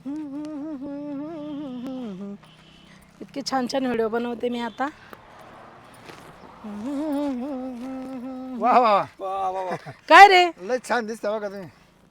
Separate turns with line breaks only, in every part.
इतके छान छान व्हिडिओ बनवते मी आता.
वा वा
वा वा वा.
काय रे
लय छान दिसता बघा तुम्ही.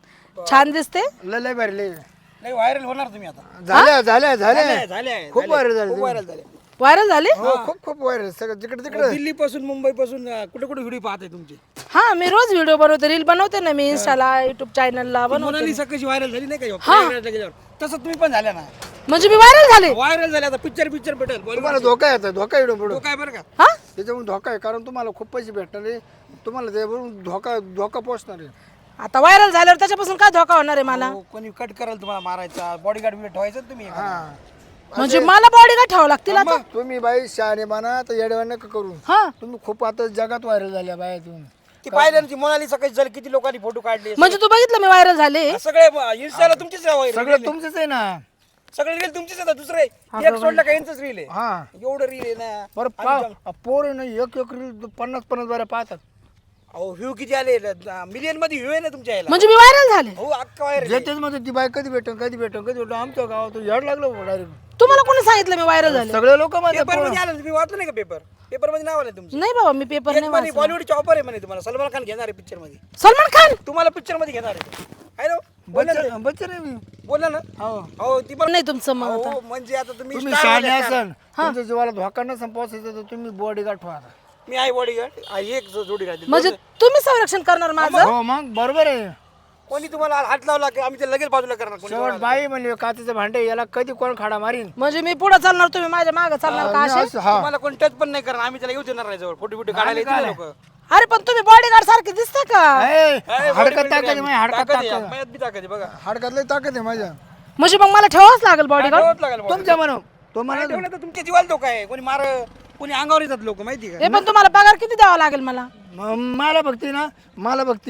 छान दिसते.
लय भारी लय
नाही व्हायरल होणार तुम्ही आता.
झाल्या झाल्या झाल्या
झाले
खूप व्हायरल झाले
खूप व्हायरल झाले.
व्हायरल झाले.
हो खूप खूप व्हायरल सगळं जिकडे तिकडे.
दिल्ली पासून मुंबई पासून कुठे कुठे व्हिडिओ पाहते तुमचे.
हा मी रोज व्हिडिओ बनवते, रील बनवते ना मी इंस्टाला, युट्यूब चॅनलला बनवते.
मोनालिसा कशी व्हायरल झाली नाही का तसं तुम्ही पण झाल्या ना.
म्हणजे मी व्हायरल झाले.
व्हायरल झाले आता पिक्चर भेटेल.
तुम्हाला धोका येतो, धोका येतो पुढे.
काय बरं का.
हा
त्याच्यामुळे धोका आहे, कारण तुम्हाला खूप पैसे भेटणार आहे. तुम्हाला त्यावरून धोका पोचणार आहे.
आता व्हायरल झाल्यावर त्याच्यापासून काय धोका होणार आहे मला.
हो, कोणी कट कराल तुम्हाला मारायचा, बॉडीगार्ड बिडे ठेवायचं ना तुम्ही.
हा
म्हणजे मला बॉडीगार्ड ठेवावं लागतील आता.
तुम्ही बाई शहाणे बना तर येडेवाण नका करू.
हा
तुम्ही खूप आता जगात व्हायरल झाल्या बाया तुम्ही.
ती पाहिलं ना ती मोनालिसा कशी झाली, किती लोकांनी फोटो काढले.
म्हणजे तू बघितलं मी व्हायरल झाले.
सगळे इंस्टाला तुमचीच
सगळं तुमचंच आहे ना.
सगळे रील तुमचीच आहे. दुसरे एक सोडलं का यांचंच रील आहे.
हा
एवढं रील आहे ना.
बरं पोर ना एक रील 50-50 बाऱ्या पाहतात.
अहो व्ह्यू किती आले, मिलियन मध्ये व्ह्यू आहे ना तुमच्या याला.
म्हणजे मी व्हायरल झाले.
हो अक्का व्हायरल.
जेतेच मध्ये ती बाई कधी भेटून आमच्या गावात याड लागलं डायरेक्ट.
तुम्हाला कोणी सांगितलं मी व्हायरल झाले.
सगळे लोक मध्ये
पेपर मध्ये आलं तुम्ही वाचलं नाही का पेपर मध्ये नाव आलं तुमचं.
नाही बाबा मी पेपर नाही वाचला.
बॉलिवूडची ऑफर आहे म्हणे तुम्हाला. सलमान खान घेणार आहे पिक्चर मध्ये.
सलमान खान
तुम्हाला पिक्चर मध्ये घेणार आहे. हॅलो
बच्चन आहे मी.
बोला ना.
हो
हो ती पण
नाही तुमचं मग आता.
हो म्हणजे आता तुम्ही
तुम्ही
star
शहाणे
झाले, star.
असाल, तुमच्या जीवाला धोका नसेल पोहोचायचा तर तुम्ही बॉडीगार्ड ठेवा.
मी आहे बॉडीगार्ड. एक जोडी राहते.
म्हणजे तुम्ही संरक्षण करणार माझं.
हो मग बरोबर आहे.
कोणी तुम्हाला हात लावला की आम्ही ते लगेच बाजूला करणार. कोणी
शेवट बाई म्हणले काचेचं भांडे याला कधी कोण खाडा मारीन.
म्हणजे मी पुढे चालणार, तुम्ही माझ्या मागे चालणार का असे.
असं, हा
तुम्हाला कोणी टच पण नाही करणार. आम्ही त्याला येऊ देणार नाही जवळ. फोटो बिटो काढायला येतील लोक.
अरे पण तुम्ही बॉडीगार्ड सारखे दिसता का.
ए, हडकत ताकद आहे माझ्या, हडकत ताकद.
मयात बी ताकद आहे बघा.
हडकत लय ताकद आहे माझ्या.
म्हणजे मग मला ठेवावंच लागेल बॉडीगार्ड.
ठेवावंच लागेल bodyguard.
तुमच्या म्हणून तो
नाही
म्हणा
ठेवलं तर तुमच्या जीवाला धोका आहे. कोणी मार, कोणी अंगावर येतात लोक माहिती का.
हे पण तुम्हाला पगार किती द्यावा लागेल मला.
मला बघती ना, मला बघती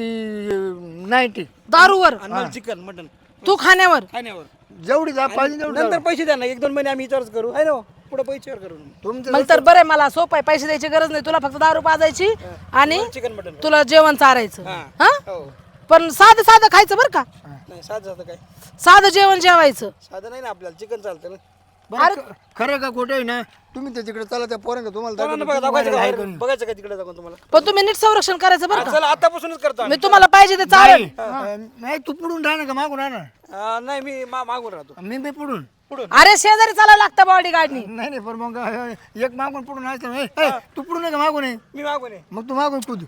90
दारूवर
आणि मला चिकन मटन
तू खाण्यावर.
खाण्यावर.
जेवढी जा पाहिजे तेवढी
नंतर पैसे द्या ना. 1-2 महिने आम्ही विचारच करू आहे ना. पुढे पैसे करू.
तुमचं
मग तर बरं आहे, मला सोपं आहे, पैसे द्यायची गरज नाही. तुला फक्त दारू पाजायची आणि
चिकन मटन.
तुला जेवण चारायचं.
हा.
हा
हो.
पण साधं साधं खायचं बरं का.
नाही साधं साधं काय.
साधं जेवण जेवायचं.
साधं नाही ना आपल्याला. चिकन चालतं ना.
बरं, खरं का खोटं आहे ना, तुम्ही त्या तिकडे चला त्या पोरांना तुम्हाला
कोणाला
दाखवतो,
दाखवायचं
तुम्ही
का?
आहे का नाही.
बघायचं का तिकडे जाऊन तुम्हाला.
पण तुम्ही नीट संरक्षण करायचं बरं का.
चला आतापासूनच करतो
मी
आम्ही.
तुम्हाला पाहिजे ते चालेल.
नाही तू पुढून राहणार का मागून राहणार.
नाही मी मागून राहतो.
मी पुढून.
अरे शेजारी चालायला लागतं बॉडीगार्डनी.
नाही पण मग एक मागून पुढून असतं. तू पुढून आहे का मागून आहे.
मी मागून आहे.
मग तू मागून कुद.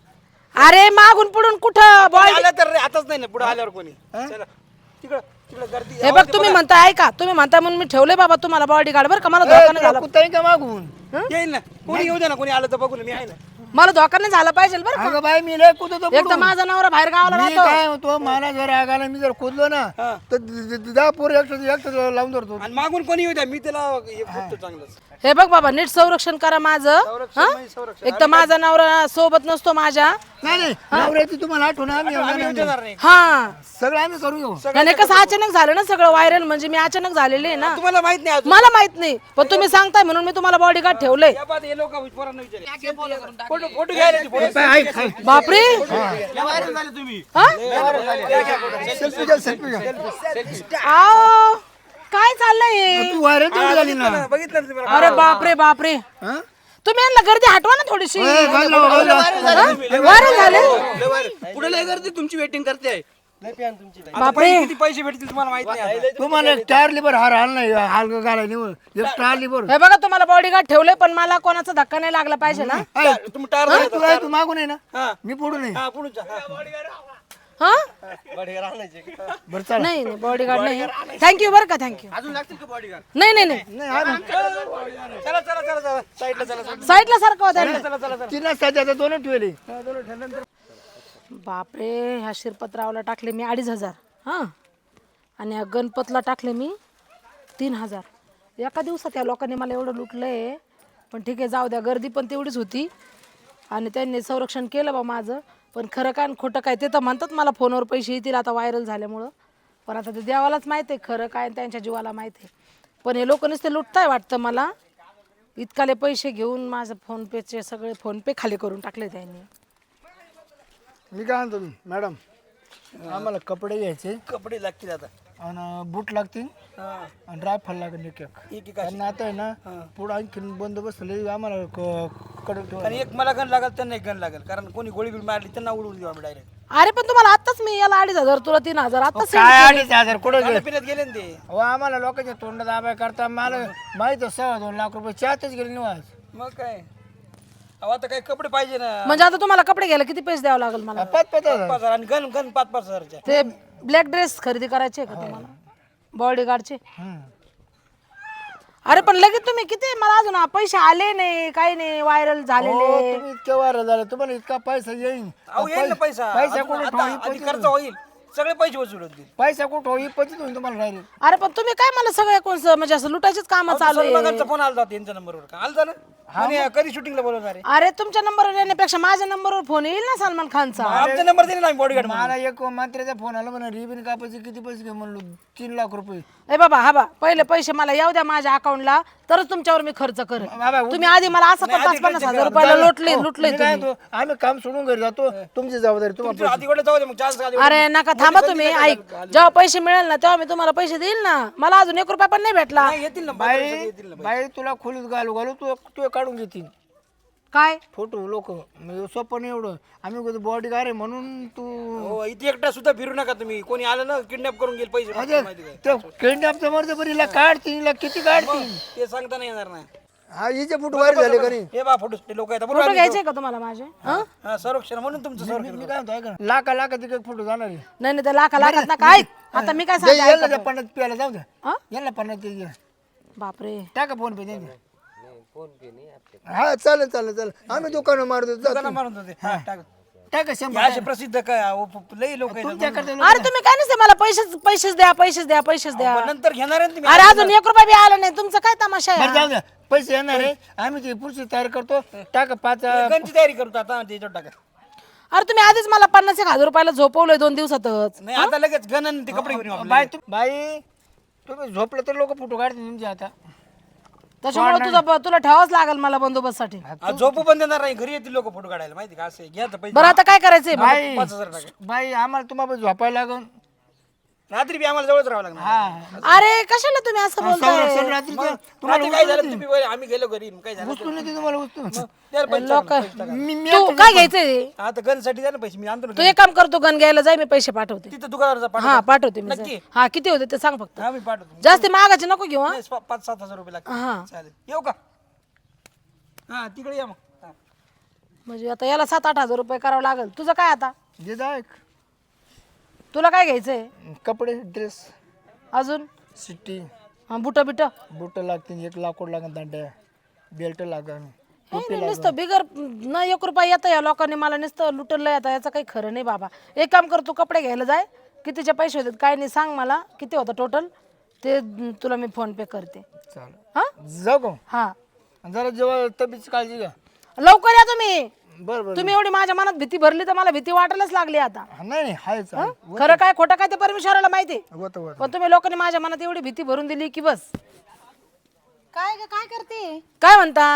अरे मागून पुढून कुठं
कोणी आलं तर रे, आताच नाही ना. पुढे आल्यावर कोणी. चला तिकडं तिकडं गर्दी.
हे बघ तुम्ही म्हणताय ऐका, तुम्ही म्हणताय म्हणून मी ठेवले बाबा तुम्हाला बॉडीगार्ड बरं का. मला धोका नाही झाला.
कुत्ता आहे का मागून.
येईल ना. कोणी येऊ दे ना. कोणी आलं तर बघू ना. मी आहे ना.
मला धोका नाही झाला पाहिजे बरं का.
अगं बाई मी लय कुदतो
एक तर माझा नवरा बाहेर गावाला
मी
राहतो.
काय होतो, मला जर राग आला मी जर कुदलो ना तर 10 पोर एकटं लावून धरतो.
आणि मागून कोणी येऊ द्या. मी त्याला हे बघतो चांगलंच.
हे बघ बाबा नीट संरक्षण करा माझं.
संरक्षण
हा?
म्हणजे संरक्षण.
एक तर माझा नवरा सोबत नसतो माझ्या.
नाही नवऱ्याची तुम्हाला आठवण आम्ही
आम्ही येऊ देणार नाही.
हा
सगळं आम्ही करून घेऊ.
आणि कसं अचानक झालं ना सगळं व्हायरल. म्हणजे मी अचानक झालेली आहे ना.
तुम्हाला माहित नाही अजून.
मला माहित नाही, पण तुम्ही सांगताय म्हणून मी तुम्हाला बॉडीगार्ड ठेवलंय.
या बाद हे लोक पोरांना विचारे. फोटो घ्यायला येते, फोटो.
बापरे.
व्हायरल झाले तुम्ही.
हा?
सेल्फी घ्या सेल्फी घ्या.
आओ काय चाललंय.
तू व्हायरल तेवढी झाली ना.
बघितलं ना तुम्ही.
अरे बापरे बापरे.
हा?
तुम्ही यांना गर्दी हटवा ना थोडीशी. व्हायरल झाले.
पुढे लय गर्दी तुमची वेटिंग करते आहे.
बापरे.
किती पैसे भेटतील तुम्हाला माहित नाही.
तुम्हाला एक टायर लिबर हाल नाही हाल घालाय निवड एक टायर लिबर.
हे बघा तुम्हाला बॉडीगार्ड ठेवले, पण मला कोणाचा धक्का नाही लागला पाहिजे ना.
तुम्ही टायर
तू मागून आहे ना.
हा.
मी पुढून आहे.
हा पुढे जा.
हा
बरं चला.
नाही नाही बॉडीगार्ड नाही. थँक्यू बरं का. थँक्यू.
अजून लागतील का बॉडीगार्ड.
नाही नाही नाही
नाही आम्ही
चला चला चला चला साईडला चला चला
साईडला सारखं होतं.
चला चला.
तिला सध्या दोन ठेवले.
बापरे. ह्या शिरपतरावला टाकले मी 2500. हां आणि ह्या गणपतला टाकले मी 3000. एका दिवसात या लोकांनी मला एवढं लुटलंय. पण ठीक आहे जाऊ द्या. गर्दी पण तेवढीच होती आणि त्यांनी संरक्षण केलं बा माझं. पण खरं काय आणि खोटं काय ते तर म्हणतात मला फोनवर पैसे येतील आता व्हायरल झाल्यामुळं. पण आता ते देवालाच माहीत आहे खरं काय आणि त्यांच्या जीवाला माहीत आहे. पण हे लोक नुसते लुटताय वाटतं मला. इतकाले पैसे घेऊन माझं फोनपेचे सगळे फोनपे खाली करून टाकले त्यांनी.
मी काय म्हणतो मॅडम, आम्हाला कपडे घ्यायचे.
कपडे लागतील आता.
आणि बूट लागतील
हा.
आणि रायफल लागेल एक एक.
एक अशी.
आणि आता आहे ना पुढं आणखीन बंदोबस्त लई आम्हाला कडक ठेवा.
आणि एक मला गण लागेल त्यांना एक गण लागेल कारण कोणी गोळी बिळ मारली त्यांना उडवून देऊ आम्ही डायरेक्ट
अरे पण तुम्हाला आत्ताच मी याला 2,500 तुला 3,000 आत्ताच send
काय
केले.
2,500 कुठं गेले?
पिण्यात गेले ना ते
अहो आम्हाला लोकांच्या तोंड दाबाय करता मला माहित 2.5 लाख रुपये चहातच गेले निवास.
मग काय अहो आता काही कपडे पाहिजे ना
म्हणजे आता तुम्हाला कपडे घ्यायला किती पैसे द्यावे लागेल मला
5,000 आणि गण गण 5,000च्या
ते ब्लॅक ड्रेस खरेदी करायचे का तुम्हाला बॉडीगार्डचे अरे पण लगेच तुम्ही किती मला अजून पैसे आले नाही काही नाही व्हायरल झालेले
तुम्ही इतके वार झाले तुम्हाला इतका पैसा येईल.
अहो येईल ना पैसा
पैसा
अजून
कुठं
आता आधी खर्च होईल सगळे पैसे वसूल होतील
पैसा कुठं होईल पचित होईल तुम्हाला डायरेक्ट.
अरे पण तुम्ही काय मला सगळे कोण म्हणजे असं लुटायचेच काम चालू आहे
सलमानचा फोन आला होता यांच्या नंबरवर का आलता ना म्हणे कधी शूटिंगला बोलवणार आहे
अरे तुमच्या नंबरवर येण्यापेक्षा माझ्या नंबरवर फोन येईल ना सलमान खानचा
आमचा नंबर दिला ना बॉडीगार्ड
मला एक मंत्र्याचा फोन आला म्हणा रिबिन कापायचे किती पैसे घे म्हणलो 3 लाख रुपये.
ए बाबा हा बा पहिले पैसे मला येऊ द्या माझ्या अकाउंटला तरच तुमच्यावर मी खर्च करेन
बाबा,
तुम्ही आधी मला असं पण 50,000 रुपयाला लुटले
मी काय म्हणतो, आम्ही काम सोडून घरी जातो तुमची जबाबदारी तुम्हाला.
आधी कडे जाऊ दे मग चान्स
अरे नका थांबा तुम्ही ऐक जेव्हा पैसे मिळेल ना तेव्हा मी तुम्हाला पैसे देईल ना मला अजून 1 रुपया पण नाही भेटला
येतील ना
बाई बाई तुला खोलीत घालू घालू तू काढून घेतील
काय
फोटो लोक सोपं नाही एवढं आम्ही बॉडी गार आहे म्हणून तू
हो इथे एकटा सुद्धा फिरू नका तुम्ही कोणी आलं ना किडनॅप करून गेल पैसे माहिती काय
ते किडनॅपचं मर्द बरीला काढतील किती काढतील
ते सांगता नाही येणार नाही
हा हिचे फोटो बाहेर झाले का नाही.
हे बा फोटो लोक आहेत
फोटो
बरोबर
घ्यायचे का तुम्हाला माझे हं?
हा संरक्षण म्हणून तुमचं संरक्षण
मी काय म्हणतो ऐका ना, लाखा तिकडे फोटो जाणार आहे.
नाही नाही ते लाखात ना काय आता मी काय सांगते
याला त्या पन्नास प्यायला जाऊ द्या
हं?
याला 50 ते
बापरे
टाका फोन पे द्या हा चालेल चालेल चालेल आम्ही दुकानं मारतो
दुकानं मारून होते हा, टाक.
टाका
हे
100.
असे प्रसिद्ध काय लई लोक आहेत
तुमच्याकडे
अरे तुम्ही काय नसते मला पैसेच द्या पैसेच द्या
पण नंतर घेणार आहे ना तुम्ही
अरे अजून 1 रुपया बी आला नाही तुमचा काय तमाशा आहे
बरं जाऊ द्या पैसे येणार आहे आम्ही ती पुढची तयारी करतो टाका 5.
गणची तयारी करतो आता त्याच्यावर टाका
अरे तुम्ही आधीच मला 50,000 रुपयाला झोपवलंय 2 दिवसातच
नाही आता लगेच गण आणि ते कपडे घेऊन येऊ आपले.
बाई तुम्ही झोपलं तर लोक फोटो काढतील तुमचे आता.
त्याच्यामुळे तुला ठेवाच लागेल मला बंदोबस्तासाठी
आज झोपू पण देणार नाही घरी येतील लोक फोटो काढायला माहिती का असं घ्या तर पैसे
बरं आता काय करायचंय
बाई
5,000 टाका
बाई आम्हाला तुम्हाला झोपायला लागून
रात्री बी आम्हाला जवळच राहावं लागणार
हा
अरे कशाला तुम्ही असं बोलताय
संरक्षण रात्रीचं
रात्री काय झालं तुम्ही बोलले, आम्ही गेलो घरी मग काय झालं
उचलून येते तुम्हाला उचलून
त्याला पैसे
लोक
टाका.
मी
तू काय घ्यायचंय
आता गणसाठी द्या ना पैसे मी आणतो ना
तू एक काम करतो गण घ्यायला जाय मी पैसे पाठवते
तिथं दुकानावर
हा पाठवते मी
नक्की?
जाय. हा किती होते ते सांग फक्त
हा मी पाठवतो
जास्त मागाचे नको घेऊ हा
5,000-7,000 रुपये लागतील
हा
चालेल येऊ का हा तिकडे या मग हा.
म्हणजे आता याला 7-8 हजार रुपये करावं लागेल तुझं काय आता
जे जा
तुला काय घ्यायचंय
कपडे ड्रेस
अजून
सिट्टी
बुट बिट
बुट लागतील 1 लाकूड लागेल दांड्या बेल्ट लागेल
नुसतं बिगर न 1 रुपया येतं या लोकांनी मला नुसतं लुटलंय आता याचं काही खरं नाही बाबा एक काम कर तू कपडे घ्यायला जाय कितीचे पैसे होतात काय नाही सांग मला किती होतं टोटल ते तुला मी फोन पे करते
चालेल
हा
जाऊ का
हा
जरा जेव्हा तब्येतीची काळजी घ्या.
लवकर या तुम्ही
बरं बरं
तुम्ही एवढी माझ्या मनात भीती भरली तर मला भीती वाटायलाच लागली आता
नाही नाही हाय चालेल
खरं काय खोटं काय ते परमेश्वराला माहिती
होतं होतं
पण तुम्ही लोकांनी माझ्या मनात एवढी भीती भरून दिली की बस
काय ग काय करते
काय म्हणता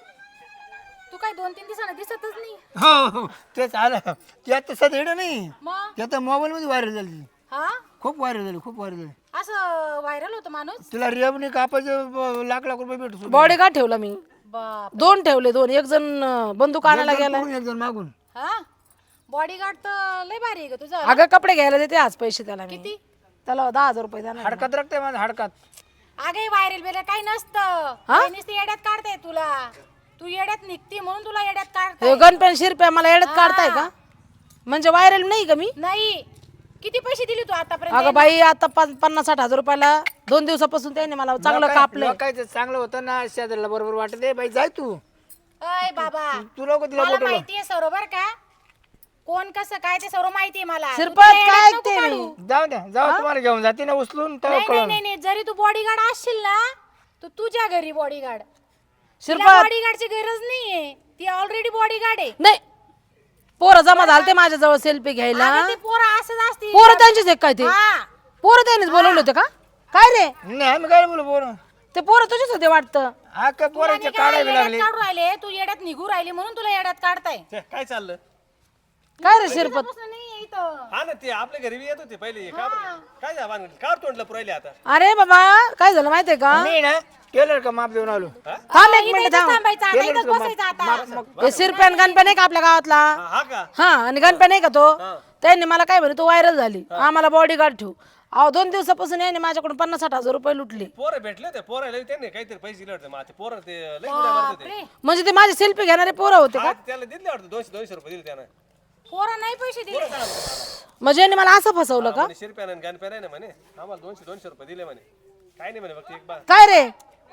तू काय 2-3 दिवसांना दिसतच नाही
हो हो तेच आलं ते आता सध्या येणं नाही
मग
ते आता मोबाईलमध्ये व्हायरल झाली
हा
खूप व्हायरल झाली
असं व्हायरल होतं माणूस
तिला रेवणी कापायचे लाख कुरुपये भेटू
बॉडी गार्ड ठेवला मी
बाप
2 ठेवले 2 एक जण बंदूक आणायला गेला
एक जण मागून
हा बॉडीगार्ड तर लय भारी आहे ग तुझं
अगं कपडे घ्यायला देते आज पैसे त्याला मी
किती
त्याला 10,000 रुपये देणार
हाडकात रक्त आहे माझ्या हाडकात
अगे व्हायरल बिरल काही नसतं काही नुसतं येड्यात काढते तुला तू येड्यात निघती म्हणून तुला येड्यात काढते
हे गणपेन शिरप्या मला येड्यात काढताय का म्हणजे व्हायरल नाही का मी
नाही किती पैसे दिले तू आतापर्यंत
अगं बाई आता 50-60 हजार रुपयाला 2 दिवसापासून त्याने मला चांगलं कापलंय
लोकांचं चांगलं होतं ना शेजारला बरोबर वाटत बाई जाय तू
अय बाबा
तू लोक तिला
मला माहितीये बरोबर का कोण कसं काय ते सर्व माहितीये मला तू
शिरपत
तुला
काय
येड्यात नको
ऐकते
काढू.
मी
जाऊ द्या जाऊ तुम्हाला घेऊन जाते ना उचलून तर
नाही नाही नाही जरी तू बॉडीगार्ड असशील ना तर तुझ्या घरी बॉडीगार्ड
शिरपत
बॉडीगार्डची गरज नाहीये ती ऑलरेडी बॉडीगार्ड आहे
नाही पोरं जमा झालते माझ्या जवळ सेल्फी घ्यायला
अगं ते पोरं असंच असतील
पोरं त्यांचीच एक काय ते
हा
पोरं त्यांनीच बोलवले होते का काय रे
नाही आम्ही काय बोलू बोल
ते पोरं तुझेच होते वाटतं
हा काय पोराचे
तुला
काढावे
येड्यात
लागले
काढू राहिले तू येड्यात निघू राहिली म्हणून तुला येड्यात काढताय
काय चाललं
काय रे शिरपत
दिवसापासून नाहीये इथं.
हा ना ते आपल्या घरी बी येत होते पहिले का बरं? काय झालं भानगड? का तोंडलं पुरायले आता
अरे बाबा काय झालं माहितीये का
मी ना टेलर का माप देऊन आलो
थांब एक
इथं
मिनिट
इथंच
थांब
थांबायचं आता, इथंच बसायचं आता.
हे शिरप्यान गणप्या नाही का आपल्या गावातला
हा का
हा आणि गणप्या नाही का तो त्यांनी मला काय म्हणे तू व्हायरल झाली आम्हाला बॉडीगार्ड ठेवू अहो 2 दिवसापासून याने माझ्याकडून 50-60 हजार रुपये लुटले
पोरं भेटले ते पोराला त्यांनी काहीतरी पैसे दिले होते ते पोरं ते लई उड्या मारत होते
म्हणजे ते माझे सेल्फी घेणारे पोरं होते का
हा, त्याला दिले वाटतं 200 रुपये दिले त्यानं
पोरं नाही पैसे दिले.
म्हणजे यांनी मला असं फसवलं का
म्हणे शिरप्यान आणि गणप्या नाही ना म्हणे आम्हाला 200 रुपये दिले म्हणे काय नाही म्हणे फक्त एक बा
काय रे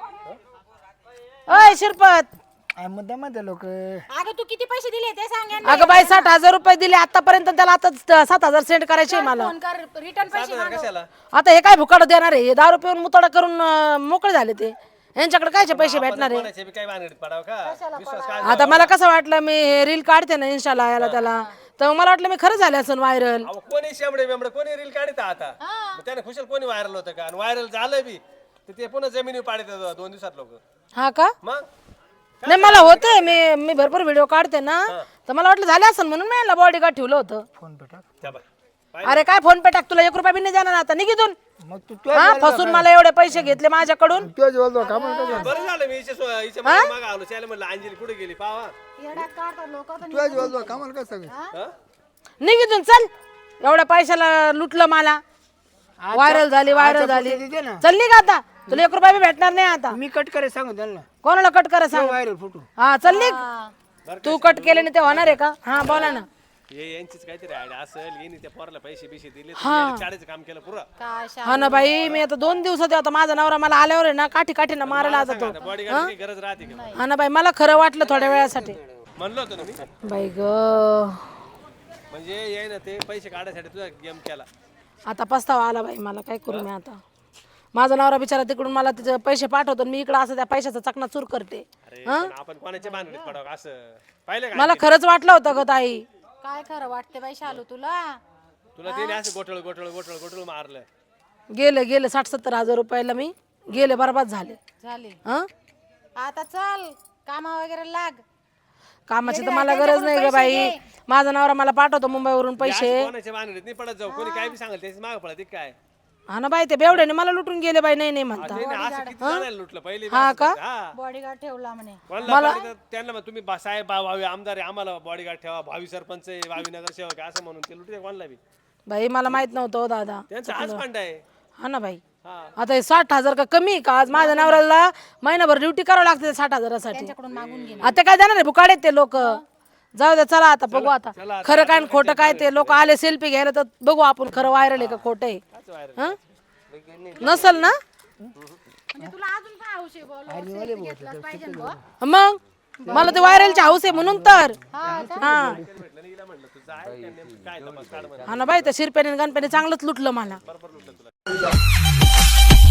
अय शिरपत
मुद्दा मध्ये लोक
अगं तू किती पैसे दिले ते सांग यांना.
अगं बाई 60,000 रुपये दिले आतापर्यंत त्याला आता 7,000 सेंड करायचे मला
फोन कर रिटर्न पैसे मागव.
कशाला
आता हे काय भुकाड देणार आहे हे दारू पिऊन मुतडा करून मोकळे झाले ते यांच्याकडे कायचे पैसे भेटणार आहे
कोणाचे बी काय भानगडीत पडावं का विश्वास काय
आता मला कसं वाटलं मी हे रील काढते ना इंस्टाला याला त्याला तर मला वाटलं मी खरं झाले असं व्हायरल
अहो कोणी शेंबडे बेंबडे कोणी रील काढत आता मग त्याने खुशाल कोणी व्हायरल होतं का आणि व्हायरल झालं बी तर ते पुन्हा जमिनीवर पाडत 2 दिवसात लोक
हा का
मग
नाही मला होते मी भरपूर व्हिडिओ काढते ना तर मला वाटलं झाले असं म्हणून मी याला बॉडीगार्ड ठेवलं होतं
फोन पे टाक
त्या बाय
अरे काय फोन पे टाक तुला 1 रुपया बी नाही देणार आता निघितून
मग तू
हा फसून मला एवढे पैसे घेतले माझ्याकडून
तुझ्या जवळ का म्हणतो
बरं झालं मी हिच्या मागे आलो त्याला म्हणलं अंजली कुठे गेली पावा
येड्यात काढतात लोक
तुझ्या जवळ का म्हणतो काय सगळं
हा?
निघितून चल एवढ्या पैशाला लुटलं मला व्हायरल झाली
दे ना.
चल निघ आता तुला 1 रुपया बी भेटणार नाही आता
मी कट करे सांगू त्यांना
कोणाला कट करा सांग
व्हायरल फोटो
हा चल निघ तू कट केले नाही ते होणार आहे का हा बोला ना
हे यांचीच काहीतरी आयडिया असेल येईन त्या पोराला पैसे बिशे दिले तर शाळेचं काम केलं पुरा
काय
हा ना बाई मी आता 2 दिवसात आता माझा नवरा मला आल्यावर आहे ना काठीनं मारायला आता तो
बॉडीगार्डची गरज राहते का
हा ना बाई मला खरं वाटलं थोड्या वेळासाठी
म्हणलं होतं ना मी
बाई ग
म्हणजे याय ना ते पैसे काढायसाठी तुझा गेम केला
आता पस्तावा आला बाई मला काय करू मी आता माझा नवरा बिचारा तिकडून मला तिचे पैसे पाठवतो आणि मी इकडं असं त्या पैशाचा चकनाचूर करते
अरे पण आपण कोणाच्या भानगडीत पडावं असं पाहिलं का
मला खरंच वाटलं होतं ग ताई
काय खरं वाटते बाई शालू तुला.
तुला त्याने असं गोठळ मारलं
गेले 60-70 हजार रुपयाला मी गेले बरबाद झाले
झाले
हा
आता चल कामा वगैरे लाग.
कामाची तर मला गरज नाही ग बाई माझा नवरा मला पाठवतो मुंबईवरून पैसे
कोणाच्या भानगडीत नाही पडत जाऊ कोणी काय बी सांगेल त्याची मागं पडत काय
हा ना बाई ते बेवड्याने मला लुटून गेले बाई नाही म्हणता
त्याने असं किती जणांना लुटलं पहिले बी
हा
असं
का?
करायचं. हा
बॉडीगार्ड ठेवला म्हणे.
कोणाला पाहिजे तर त्यांना मग तुम्ही साहेब भावी आमदार आहे आम्हाला बॉडीगार्ड ठेवा भावी सरपंच आहे भावी नगरसेवक आहे असं म्हणून ते लुटते कोणाला बी
बाई मला माहित नव्हतं हो दादा
त्यांचा हाच फंड आहे
हा ना बाई
हा
आता हे 60,000 का कमी का आज माझ्या नवऱ्याला महिनाभर ड्युटी करावं लागते 60,000साठी
त्यांच्याकडून मागून घे.
आता काय जाणार आहे बुकाडे ते लोक जाऊ दे चला आता बघू आता खरं काय आणि खोटं काय ते लोक आले सेल्फी घ्यायला तर बघू आपण खरं व्हायरल आहे का खोटं आहे हं? नसल ना
म्हणजे तुला अजून काय हौस आहे बोल selfie घेतलाच पाहिजे ना बुवा.
मग मला ते व्हायरलची हाऊस आहे म्हणून तर हा
काय तपास काढ म्हणे.
हा ना बाई त्या शिरप्याने आणि गणप्याने चांगलंच लुटलं मला